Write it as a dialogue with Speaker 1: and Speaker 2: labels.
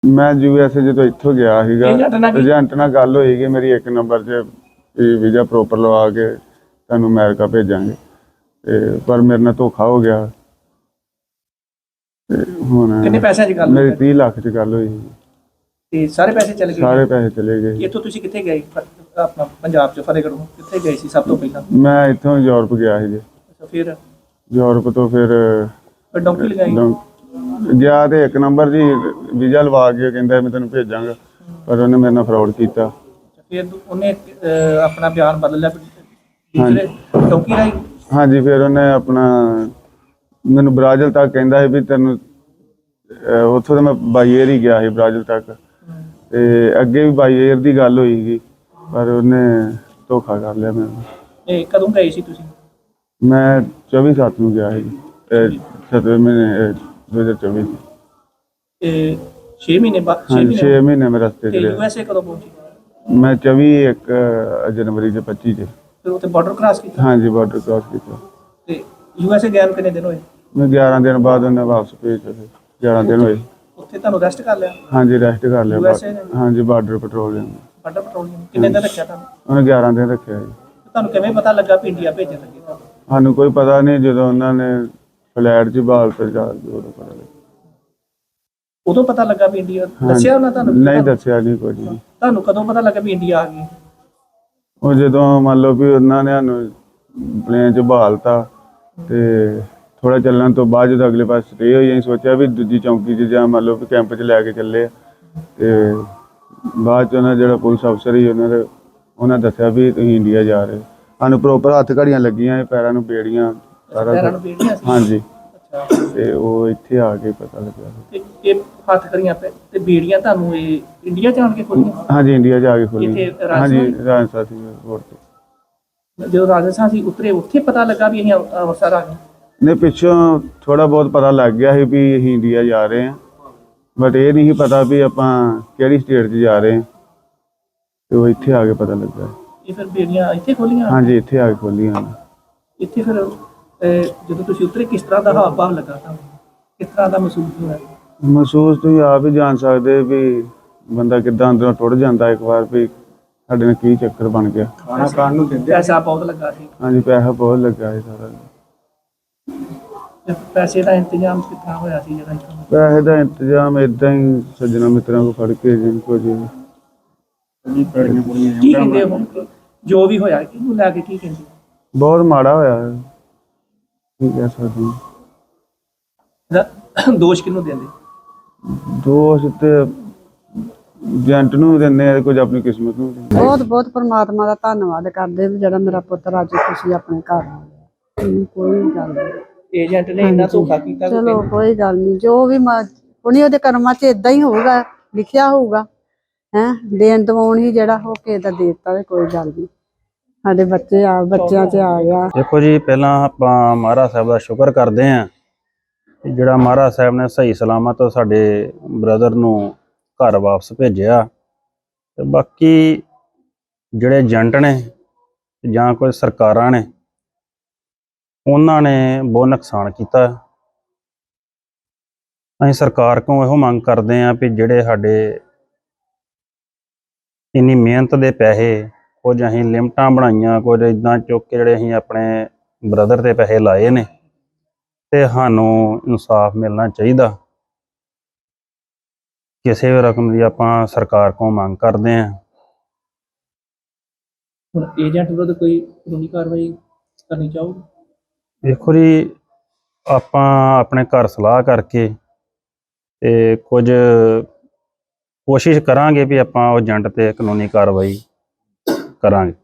Speaker 1: मैं यूएसए जो इत्थों गया सीगा एजेंट नाल गल होई कि मेरी 1 नंबर च वीज़ा प्रॉपर लवा के तुहानूं अमेरिका भेजांगे पर मेरे नाल धोखा हो गया। हुण
Speaker 2: कितने पैसे दी गल
Speaker 1: मेरी 30 लाख च गल होई
Speaker 2: ते सारे पैसे चले गए?
Speaker 1: सारे पैसे चले गए।
Speaker 2: इत्थों तुसीं कित्थे गए? अपना पंजाब च फतेहगढ़ कित्थे गए सी सब तो पहला?
Speaker 1: मैं इत्थों यूरोप गया ਸੀ जी।
Speaker 2: अच्छा फिर
Speaker 1: यूरोप तो फिर
Speaker 2: डोंकी लगाई
Speaker 1: गया तो 1 नंबर जी वीज़ा लवा के कहंदा मैं तेनों भेजांगा पर उन्हें मेरे नाल फ्रॉड कीता।
Speaker 2: फिर उन्हें अपना बयान बदल लिया दूसरे डोंकी राही?
Speaker 1: हाँ जी फिर उन्हें अपना मैनू ब्राज़िल तक कहंदा भी तेनों उत्थों तो मैं बाई एयर ही गया ਸੀ ब्राज़िल तक ते अगे भी बाई एयर की गल होई पर उन्हें धोखा कर लिया मेरे नाल।
Speaker 2: कदों गए सी तुसीं?
Speaker 1: मैं 24/7 ਨੂੰ ਗਿਆ ਸੀ 7ਵੇਂ ਮਹੀਨੇ 2024
Speaker 2: 6 ਮਹੀਨੇ बाद
Speaker 1: 6 ਮਹੀਨੇ ਮੈਂ ਰਸਤੇ ਤੇ ਰਿਹਾ।
Speaker 2: यूएसए कदों पहुंचे?
Speaker 1: मैं 24 जनवरी 25 ਚ
Speaker 2: फिर उत्थे बॉर्डर क्रॉस किया?
Speaker 1: हाँ जी बॉर्डर क्रॉस किया।
Speaker 2: ते यूएसए गए कितने दिन होए?
Speaker 1: मैं 11 दिन बाद उन्हें वापस भेजा 11 दिन होए।
Speaker 2: उत्थे तुहानूं रेस्ट कर लिया?
Speaker 1: हाँ जी रेस्ट कर लिया।
Speaker 2: यूएसए ने?
Speaker 1: हाँ जी बॉर्डर पेट्रोलिंग
Speaker 2: बॉर्डर पेट्रोलिंग कितने दिन रखा तुहानूं?
Speaker 1: उन्हें 11 दिन रखे जी।
Speaker 2: तुहानूं किवें पता लगा भी इंडिया भेजन लगे तुहानूं?
Speaker 1: सानू कोई पता नहीं जो उन्होंने फ्लैट च बहाल पर जा के उदों पता लगा।
Speaker 2: उदों पता लगा भी इंडिया दस्सिया उन्होंने तुहानूं?
Speaker 1: नहीं दस्सिया नहीं कुछ भी।
Speaker 2: तुहानूं कदों पता लगा भी इंडिया आ गई?
Speaker 1: ਉਹ ਜਦੋਂ ਮੰਨ ਲਓ ਵੀ ਉਹਨਾਂ ਨੇ ਸਾਨੂੰ ਪਲੇਨ 'ਚ ਬਹਾਲਤਾ ਤੇ ਥੋੜਾ ਚੱਲਣ ਤੋਂ ਬਾਅਦ ਜਦੋਂ ਅਗਲੇ ਪਾਸੇ ਸਟੇ ਹੋਈ ਅਸੀਂ ਸੋਚਿਆ ਵੀ ਦੂਜੀ ਚੌਂਕੀ 'ਚ ਜਾਂ ਮੰਨ ਲਓ ਵੀ ਕੈਂਪ 'ਚ ਲੈ ਕੇ ਚੱਲੇ ਤੇ ਬਾਅਦ 'ਚ ਉਹਨਾਂ ਜਿਹੜਾ ਪੁਲਿਸ ਅਫਸਰ ਸੀ ਉਹਨਾਂ ਦੱਸਿਆ ਵੀ ਤੁਸੀਂ ਇੰਡੀਆ ਜਾ ਰਹੇ। ਸਾਨੂੰ ਪ੍ਰੋਪਰ ਹੱਥ ਘੜੀਆਂ ਲੱਗੀਆਂ ਪੈਰਾਂ ਨੂੰ ਬੇੜੀਆਂ ਸਾਰਾ
Speaker 2: ਪੈਰਾਂ ਨੂੰ ਬੇੜੀਆਂ ਸੀ?
Speaker 1: ਹਾਂਜੀ
Speaker 2: ਅੱਛਾ
Speaker 1: ਤੇ ਉਹ ਇੱਥੇ ਆ ਕੇ ਪਤਾ ਲੱਗਿਆ।
Speaker 2: ਇਹ ਹੱਥ ਕਰੀਆਂ ਤੇ ਬੇੜੀਆਂ ਤੁਹਾਨੂੰ ਇਹ ਇੰਡੀਆ ਚ ਆਣ ਕੇ ਖੋਲੀਆਂ?
Speaker 1: ਹਾਂਜੀ ਇੰਡੀਆ ਜਾ ਕੇ ਖੋਲੀ।
Speaker 2: ਇੱਥੇ
Speaker 1: ਹਾਂਜੀ ਰਾਜਸਥਾਨ ਸੀ 에ਅਰਪੋਰਟ ਤੇ।
Speaker 2: ਜਦੋਂ ਰਾਜਸਥਾਨ ਸੀ ਉਤਰੇ ਉੱਥੇ ਪਤਾ ਲੱਗਾ ਵੀ ਅਸੀਂ ਅੰਮ੍ਰਿਤਸਰ ਆ ਗਏ?
Speaker 1: ਨੇ ਪਿੱਛੋਂ ਥੋੜਾ ਬਹੁਤ ਪਤਾ ਲੱਗ ਗਿਆ ਸੀ ਵੀ ਅਸੀਂ ਇੰਡੀਆ ਜਾ ਰਹੇ ਹਾਂ ਬਟ ਇਹ ਨਹੀਂ ਪਤਾ ਵੀ ਆਪਾਂ ਕਿਹੜੀ ਸਟੇਟ 'ਚ ਜਾ ਰਹੇ ਹਾਂ ਤੇ ਉਹ ਇੱਥੇ ਆ ਕੇ ਪਤਾ ਲੱਗਾ।
Speaker 2: ਇਹ ਫਿਰ ਬੇੜੀਆਂ ਇੱਥੇ ਖੋਲੀਆਂ?
Speaker 1: ਹਾਂਜੀ ਇੱਥੇ ਆ ਕੇ ਖੋਲੀਆਂ।
Speaker 2: ਇੱਥੇ ਫਿਰ ਜਦੋਂ ਤੁਸੀਂ ਉਤਰੇ ਕਿਸ ਤਰ੍ਹਾਂ ਦਾ ਹਾਵ ਭਾਵ ਲੱਗਾ ਤੁਹਾਨੂੰ? ਕਿਸ ਤਰ੍ਹਾਂ ਦਾ ਮਹਿਸੂਸ ਹੋਇਆ?
Speaker 1: ਮਹਿਸੂਸ ਤੁਸੀਂ ਆਪ ਹੀ ਜਾਣ ਸਕਦੇ ਵੀ ਬੰਦਾ ਕਿੱਦਾਂ ਅੰਦਰੋਂ ਟੁੱਟ ਜਾਂਦਾ ਇੱਕ ਵਾਰ ਵੀ ਸਾਡੇ ਨਾਲ ਕੀ ਚੱਕਰ ਬਣ ਗਿਆ।
Speaker 2: ਖਾਣਾ ਖਾਣ ਨੂੰ ਦਿੰਦੇ? ਪੈਸਾ ਬਹੁਤ ਲੱਗਾ ਸੀ?
Speaker 1: ਹਾਂਜੀ ਪੈਸਾ ਬਹੁਤ ਲੱਗਾ ਸੀ ਸਾਰਾ।
Speaker 2: ਪੈਸੇ ਦਾ ਇੰਤਜ਼ਾਮ ਕਿੱਥਾਂ ਹੋਇਆ ਸੀ ਜਿਹੜਾ ਇੱਥੋਂ?
Speaker 1: ਪੈਸੇ ਦਾ ਇੰਤਜ਼ਾਮ ਇਦਾਂ ਹੀ ਸੱਜਣਾ ਮਿੱਤਰਾਂ ਕੋਲ ਫੜ ਕੇ ਜਿੰਨ ਕੋ ਜੀ
Speaker 2: ਕੀ ਕਹਿੰਦੇ ਹੁਣ ਜੋ ਵੀ ਹੋਇਆ ਕਿਹਨੂੰ ਲੈ ਕੇ ਕੀ ਕਹਿੰਦੇ?
Speaker 1: ਬਹੁਤ ਮਾੜਾ ਹੋਇਆ ਕੀ ਕਹਿ ਸਕਦੇ
Speaker 2: ਦੋਸ਼ ਕਿਹਨੂੰ ਦਿੰਦੇ?
Speaker 1: ਦੋਸ਼ ਤੇ ਏਜੰਟ ਨੂੰ ਦਿੰਦੇ ਆ ਕੁਝ ਆਪਣੀ ਕਿਸਮਤ ਨੂੰ ਦਿੰਦੇ।
Speaker 3: ਬਹੁਤ ਬਹੁਤ ਪਰਮਾਤਮਾ ਦਾ ਧੰਨਵਾਦ ਕਰਦੇ ਵੀ ਜਿਹੜਾ ਮੇਰਾ ਪੁੱਤਰ ਅੱਜ ਤੁਸੀਂ ਆਪਣੇ ਘਰ ਆ ਗਿਆ। ਕੋਈ ਗੱਲ ਨਹੀਂ
Speaker 2: ਏਜੰਟ ਨੇ ਇੰਨਾ ਧੋਖਾ ਕੀਤਾ?
Speaker 3: ਚਲੋ ਕੋਈ ਗੱਲ ਨਹੀਂ ਜੋ ਵੀ ਉਹਨੇ ਉਹਦੇ ਕਰਮਾਂ 'ਚ ਇਦਾਂ ਹੀ ਹੋਊਗਾ ਲਿਖਿਆ ਹੋਊਗਾ ਦੇਣ ਦਵਾਉਣ ਹੀ ਜਿਹੜਾ ਹੋ ਕੇ ਦਾ ਦੇ ਦਿੱਤਾ। ਕੋਈ ਗੱਲ ਨਹੀਂ ਸਾਡੇ ਬੱਚਿਆਂ 'ਚ ਆ ਗਿਆ।
Speaker 4: ਦੇਖੋ ਜੀ ਪਹਿਲਾਂ ਆਪਾਂ ਮਹਾਰਾਜ ਸਾਹਿਬ ਦਾ ਸ਼ੁਕਰ ਕਰਦੇ ਹਾਂ ਕਿ ਜਿਹੜਾ ਮਹਾਰਾਜ ਸਾਹਿਬ ਨੇ ਸਹੀ ਸਲਾਮਤ ਸਾਡੇ ਬ੍ਰਦਰ ਨੂੰ ਘਰ ਵਾਪਸ ਭੇਜਿਆ ਤੇ ਬਾਕੀ ਜਿਹੜੇ ਏਜੰਟ ਨੇ ਜਾਂ ਕੋਈ ਸਰਕਾਰਾਂ ਨੇ ਉਹਨਾਂ ਨੇ ਬਹੁਤ ਨੁਕਸਾਨ ਕੀਤਾ। ਅਸੀਂ ਸਰਕਾਰ ਕੋਲੋਂ ਇਹੋ ਮੰਗ ਕਰਦੇ ਹਾਂ ਵੀ ਜਿਹੜੇ ਸਾਡੇ ਇੰਨੀ ਮਿਹਨਤ ਦੇ ਪੈਸੇ ਕੁਝ ਅਸੀਂ ਲਿਮਟਾਂ ਬਣਾਈਆਂ ਕੁਝ ਇੱਦਾਂ ਚੁੱਕ ਕੇ ਜਿਹੜੇ ਅਸੀਂ ਆਪਣੇ ਬ੍ਰਦਰ ਤੇ ਪੈਸੇ ਲਾਏ ਨੇ ਤੇ ਸਾਨੂੰ ਇਨਸਾਫ ਮਿਲਣਾ ਚਾਹੀਦਾ। ਕਿਸੇ ਵੀ ਰਕਮ ਦੀ ਆਪਾਂ ਸਰਕਾਰ ਕੋਲੋਂ ਮੰਗ ਕਰਦੇ ਹਾਂ।
Speaker 2: ਹੁਣ ਏਜੰਟ ਵਿਰੁੱਧ ਕੋਈ ਕਾਨੂੰਨੀ ਕਾਰਵਾਈ ਕਰਨੀ ਚਾਹੋਗੇ?
Speaker 4: ਦੇਖੋ ਜੀ ਆਪਾਂ ਆਪਣੇ ਘਰ ਸਲਾਹ ਕਰਕੇ ਤੇ ਕੁਝ ਕੋਸ਼ਿਸ਼ ਕਰਾਂਗੇ ਵੀ ਆਪਾਂ ਉਹ ਏਜੰਟ ਤੇ ਕਾਨੂੰਨੀ ਕਾਰਵਾਈ ਕਰਾਂਗੇ।